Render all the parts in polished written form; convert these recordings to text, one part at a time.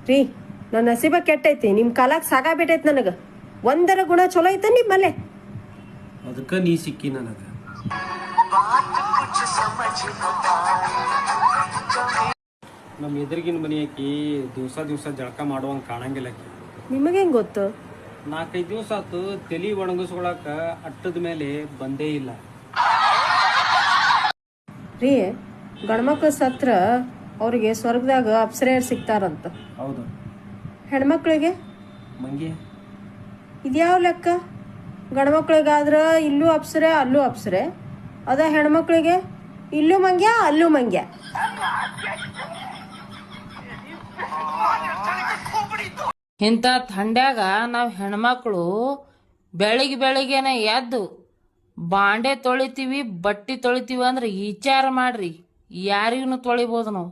ರೀ ನನ್ನ ನಸೀಬ ಕೆಟ್ಟೈತಿ ನಿಮ್ಮ ಕಾಲಾಗ ಸಾಕಾಗ್ಬಿಟ್ಟೈತಿ ನನಗೆ ಒಂದರ ಗುಣ ಚಲೋ ಐತೆ ನಿಮ್ಮಲ್ಲೇ ಅದಕ್ಕೆ ನೀ ಸಿಕ್ಕಿ ನನಗೆ ನಮ್ಮ ಎದುರಿಗಿನ ಮನೆ ಆಕಿ ದಿವಸ ಜಳಕ ಮಾಡುವಂಗೆ ಕಾಣಂಗಿಲ್ಲ ಆಕಿ ನಿಮಗೆ ಹೆಂಗೆ ಗೊತ್ತು 4-5 ದಿವಸ ಆತು ತಲೆ ಒಣಗಿಸ್ಕೊಳಕ ಅಟ್ಟದ ಮೇಲೆ ಬಂದೇ ಇಲ್ಲ ರೀ ಗಂಡ್ಮಕ್ಳು ಸತ್ರ ಅವ್ರಿಗೆ ಸ್ವರ್ಗದಾಗ ಅಪ್ಸರೆಯರು ಸಿಗ್ತಾರಂತ ಹೌದು ಹೆಣ್ಮಕ್ಳಿಗೆ ಮಂಗಿ ಇದ್ಯಾವ ಲೆಕ್ಕ ಗಂಡ್ಮಕ್ಳಿಗಾದ್ರೆ ಇಲ್ಲೂ ಅಪ್ಸರೆ ಅಲ್ಲೂ ಅಪ್ಸರೆ ಅದ ಹೆಣ್ಮಕ್ಳಿಗೆ ಇಲ್ಲೂ ಮಂಗ್ಯ ಅಲ್ಲೂ ಮಂಗ್ಯ ಇಂಥ ಥಂಡ್ಯಾಗ ನಾವು ಹೆಣ್ಮಕ್ಳು ಬೆಳಿಗ್ಗೆನೆ ಎದ್ದು ಬಾಂಡೆ ತೊಳಿತೀವಿ ಬಟ್ಟೆ ತೊಳಿತೀವಿ ಅಂದ್ರೆ ವಿಚಾರ ಮಾಡ್ರಿ ಯಾರಿಗೂ ತೊಳಿಬೋದು ನಾವು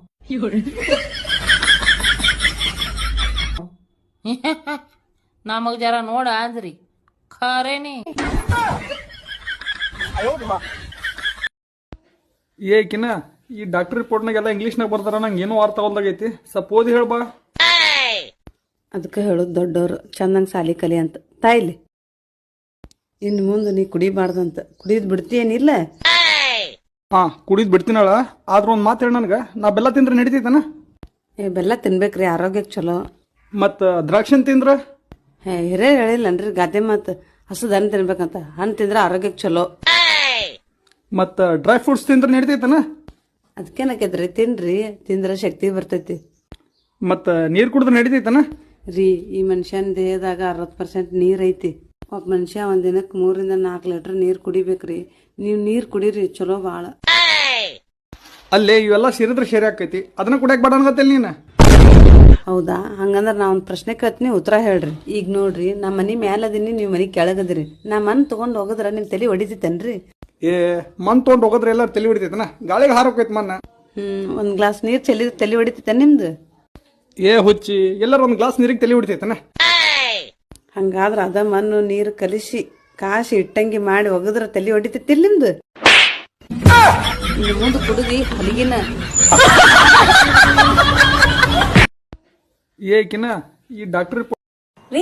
ನಮಗ್ ಜರ ನೋಡ ಅಂದ್ರಿ ಖರೇನಿ ಏಕಿನ ಈ ಡಾಕ್ಟರ್ ರಿಪೋರ್ಟ್ನಾಗೆಲ್ಲ ಇಂಗ್ಲೀಷ್ನಾಗ ಬರ್ತಾರ ನಂಗೆ ಏನೋ ಅರ್ಥ ಆಗೈತಿ ಸ್ವಲ್ಪ ಓದಿ ಹೇಳ್ಬಾ ಅದಕ್ಕೆ ಹೇಳೋದು ದೊಡ್ಡವ್ರು ಚಂದಂಗೆ ಸಾಲಿ ಕಲಿ ಅಂತ ತಾಯಿಲಿ ಇನ್ನು ಮುಂದೆ ನೀ ಕುಡಿಬಾರ್ದಂತ ಕುಡಿದ್ ಬಿಡ್ತೀಯೇನಿಲ್ಲ ಹಾ ಕುಡಿದ್ ಬಿಡ್ತೀನಳ ಆದ್ರ ಒಂದು ಮಾತು ಹೇಳಿ ನನಗೆ ನಾ ಬೆಲ್ಲ ತಿಂದ್ರೆ ನಡಿತೈತನ ಬೆಲ್ಲ ತಿನ್ಬೇಕ್ರಿ ಆರೋಗ್ಯಕ್ಕೆ ಚಲೋ ಮತ್ತು ದ್ರಾಕ್ಷಿ ತಿಂದ್ರೆ ಹಿರೇ ಹೇಳಿಲ್ಲನ್ರಿ ಗಾದೆ ಮಾತು ಹಸದ ಹಣ್ಣು ತಿನ್ಬೇಕಂತ ಹಣ್ಣು ತಿಂದ್ರೆ ಆರೋಗ್ಯಕ್ಕೆ ಚಲೋ ಮತ್ತು ಡ್ರೈ ಫ್ರೂಟ್ಸ್ ತಿಂದ್ರೆ ನಡಿತೈತನ ಅದಕ್ಕೇನಕೈತ್ರಿ ತಿನ್ರಿ ತಿಂದ್ರೆ ಶಕ್ತಿ ಬರ್ತೈತಿ ಮತ್ತು ನೀರು ಕುಡಿದ್ರೆ ನಡಿತೈತನ ರೀ ಈ ಮನುಷ್ಯನ ದೇಹದಾಗ 60% ನೀರು ಐತಿ ಒಬ್ಬ ಮನುಷ್ಯ ಒಂದ್ ದಿನಕ್ಕೆ 3-4 ಲೀಟರ್ ನೀರು ಕುಡಿಬೇಕ್ರಿ ನೀವು ನೀರು ಕುಡೀರಿ ಚಲೋ ಭಾಳ ಅಲ್ಲೇ ಇವೆಲ್ಲ ಸೇರಿದ್ರೆ ಸೇರಿ ಆಕೈತಿ ಅದನ್ನ ಕುಡಿಯಕ್ಕೆ ಬೇಡ ಅನ್ಗತ್ತಿಲ್ಲ ನೀನು ಹೌದಾ ಹಂಗಂದ್ರೆ ನಾ ಒಂದು ಪ್ರಶ್ನೆ ಕೇಳ್ತೀನಿ ಉತ್ತರ ಹೇಳ್ರಿ ಈಗ ನೋಡ್ರಿ ನಮ್ಮ ಮನೆ ಮ್ಯಾಲದೀನಿ ನೀವು ಮನೆ ಕೆಳಗದಿರಿ ನಾ ಮನ್ ತಗೊಂಡ್ ಹೋಗದ್ರ ನಿಮ್ ತಲೆ ಹೊಡಿತೈತೇನ್ರಿ ಏ ಮನ್ ತೊಗೊಂಡು ಹೋಗೋದ್ರೆ ಎಲ್ಲರೂ ತಲೆ ಹೊಡಿತೈತನ ಗಾಳಿಗೆ ಹಾರೋಕೈತಿ ಮನ್ನ ಒಂದ್ ಗ್ಲಾಸ್ ನೀರ್ ಚೆಲ್ಲಿದ್ರೆ ತಲೆ ಹೊಡಿತೈತೆ ನಿಮ್ದು ಏ ಹುಚ್ಚಿ ಎಲ್ಲರೂ ಒಂದು ಗ್ಲಾಸ್ ನೀರಿಗೆ ತಲೆ ಹೊಡಿತೈತನ ಹಂಗಾದ್ರ ಅದ ಮಣ್ಣು ನೀರು ಕಲಿಸಿ ಕಾಸಿ ಇಟ್ಟಂಗಿ ಮಾಡಿ ಒಗದ್ರ ತಲೆ ಹೊಡಿತೈತಿಲ್ ನಿಮ್ದು ಮುಂದೆ ಕುಡುದಿ ಹಲಿಗಿನ ಏಕಿನ ಈ ಡಾಕ್ಟರ್ ರೀ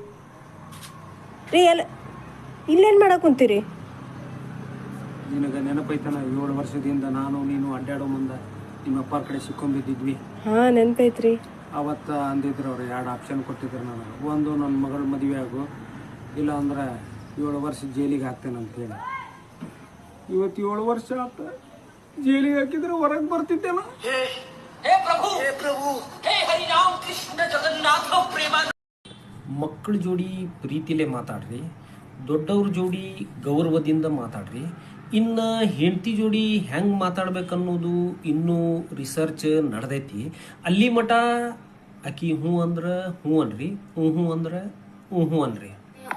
ರೀ ಎಲ್ಲ ಇಲ್ಲೇನು ಮಾಡಕ್ ಕುಂತೀರಿ ನಿನಗೆ ನೆನಪೈತನ 7 ವರ್ಷದಿಂದ ನಾನು ನೀನು ಅಡ್ಡಾಡೋ ಮುಂದೆ ನಿಮ್ಮ ಅಪ್ಪಾರ ಕಡೆ ಸಿಕ್ಕೊಂಬಿದ್ದಿದ್ವಿ ಹಾ ನೆನ್ಪೈತ್ರಿ ಅವತ್ತು ಅಂದಿದ್ರು ಅವ್ರು 2 ಆಪ್ಷನ್ ಕೊಟ್ಟಿದ್ರು ನನಗೆ ಒಂದು ನನ್ನ ಮಗಳ ಮದುವೆ ಆಗು ಇಲ್ಲ ಅಂದ್ರೆ 7 ವರ್ಷ ಜೈಲಿಗೆ ಹಾಕ್ತೇನೆ ಅಂತೇಳಿ ಇವತ್ತು 7 ವರ್ಷ ಆತ ಜೈಲಿಗೆ ಹಾಕಿದ್ರೆ ಹೊರಗೆ ಬರ್ತಿದ್ದೇನ ಮಕ್ಕಳ ಜೋಡಿ ಪ್ರೀತಿಲೇ ಮಾತಾಡ್ರಿ ದೊಡ್ಡವ್ರ ಜೋಡಿ ಗೌರವದಿಂದ ಮಾತಾಡ್ರಿ ಇನ್ನು ಹೆಂಡತಿ ಜೋಡಿ ಹೆಂಗೆ ಮಾತಾಡ್ಬೇಕನ್ನೋದು ಇನ್ನೂ ರಿಸರ್ಚ್ ನಡೆದೈತಿ ಅಲ್ಲಿ ಮಟ ಆಕಿ ಹ್ಞೂ ಅಂದ್ರೆ ಹ್ಞೂ ಅನ್ರಿ ಹ್ಞೂ ಅಂದ್ರೆ ಹ್ಞೂ ಅನ್ರಿ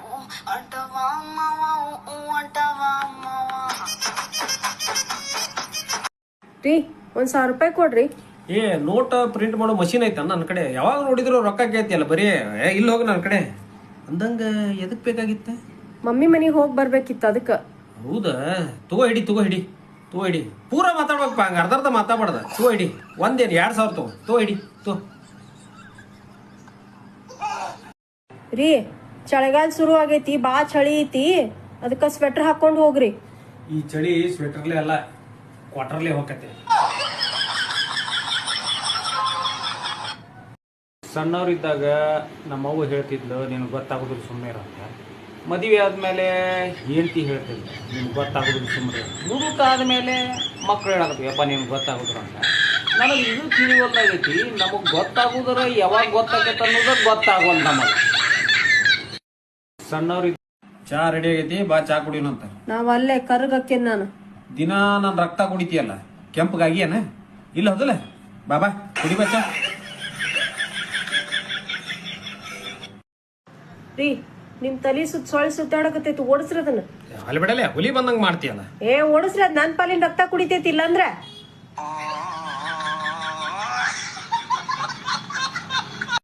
ರೀ 1,000 ರೂಪಾಯಿ ಕೊಡ್ರಿ ಏ ನೋಟ್ ಪ್ರಿಂಟ್ ಮಾಡೋ ಮಷೀನ್ ಐತ ನನ್ನ ಕಡೆ ಯಾವಾಗ ನೋಡಿದ್ರು ರೊಕ್ಕ ಕೇಳ್ತಿಯಲ್ಲ ಬರೀ ಇಲ್ಲಿ ಹೋಗಿ ನನ್ನ ಕಡೆ ಅಂದಂಗೆ ಎದಕ್ಕೆ ಬೇಕಾಗಿತ್ತೆ ಮಮ್ಮಿ ಮನೆಗೆ ಹೋಗಿ ಬರ್ಬೇಕಿತ್ತು ಅದಕ್ಕೆ ಹೌದಾ ತಗೋ ಹಿಡಿ ಪೂರ ಮಾತಾಡ್ಬೇಕಪ್ಪ ಹಂಗೆ ಅರ್ಧ ಮಾತಾಡ್ಬಾರ್ದ ತಗೋ ಹಿಡಿ 2,000 ತಗೋ ಹಿಡಿ ರೀ ಚಳಿಗಾಲ ಶುರು ಆಗೈತಿ ಬಾ ಚಳಿ ಐತಿ ಅದಕ್ಕೆ ಸ್ವೆಟರ್ ಹಾಕೊಂಡು ಹೋಗ್ರಿ ಈ ಚಳಿ ಸ್ವೆಟರ್ಲೆ ಅಲ್ಲ ಕ್ವಾರ್ಟರ್ಲೆ ಹೋಗತ್ತೆ ಸಣ್ಣವ್ರಿದ್ದಾಗ ನಮ್ಮವ್ವ ಹೇಳ್ತಿದ್ಲು ನಿನಗೆ ಗೊತ್ತಾಗೋದಿಲ್ಲ ಸುಮ್ಮನೆ ಇರಂತ ಮದುವೆ ಆದಮೇಲೆ ಹೆಂಡತಿ ಹೇಳ್ತಿದ್ಲು ನಿಮ್ಗೆ ಗೊತ್ತಾಗೋದಿಲ್ಲ ಸುಮ್ಮನೆ ಮುದುಕ ಆದಮೇಲೆ ಮಕ್ಕಳು ಹೇಳಕತ್ತೀವಿ ಅಪ್ಪ ನಿಮ್ಗೆ ಗೊತ್ತಾಗೋದ್ರ ಅಂತ ನನಗೆ ಇದು ತಿಳಿವಲ್ಲಾಗೈತಿ ನಮಗೆ ಗೊತ್ತಾಗೋದ್ರ ಯಾವಾಗ ಗೊತ್ತಾಗತ್ತೆ ಅನ್ನೋದು ಗೊತ್ತಾಗೋಲ್ಲ ನಮಗೆ ಸಣ್ಣವ್ರಿಗೆ ಚಾ ರೆಡಿ ಆಗೈತಿ ಬಾ ಚಾ ಕುಡಿಯೋಣಂತ ನಾವ್ ಅಲ್ಲೇ ಕರ್ಗಕ್ಕೇನ್ ನಾನು ದಿನ ನಾನು ರಕ್ತ ಕುಡಿತೀಯಲ್ಲ ಕೆಂಪಗಾಗಿಯನ ಇಲ್ಲ ಹೌದಲ್ಲ ಬಾಬಾ ಕುಡಿ ಬಾ ಚಾ ರೀ ನಿಮ್ ತಲಿ ಸೊಳ್ಳೆ ಸುತ್ತಾಡಕತ್ತೈತಿ ಓಡಿಸ್ರಿ ಅದನ್ನ ಅಲ್ಲಿ ಬಿಡಲ್ಲ ಹುಲಿ ಬಂದಂಗೆ ಮಾಡ್ತೀಯಲ್ಲ ಓಡಿಸ್ರಿ ಅದ್ ನನ್ ಪಾಲಿನ ರಕ್ತ ಕುಡಿತೈತಿ ಇಲ್ಲಂದ್ರ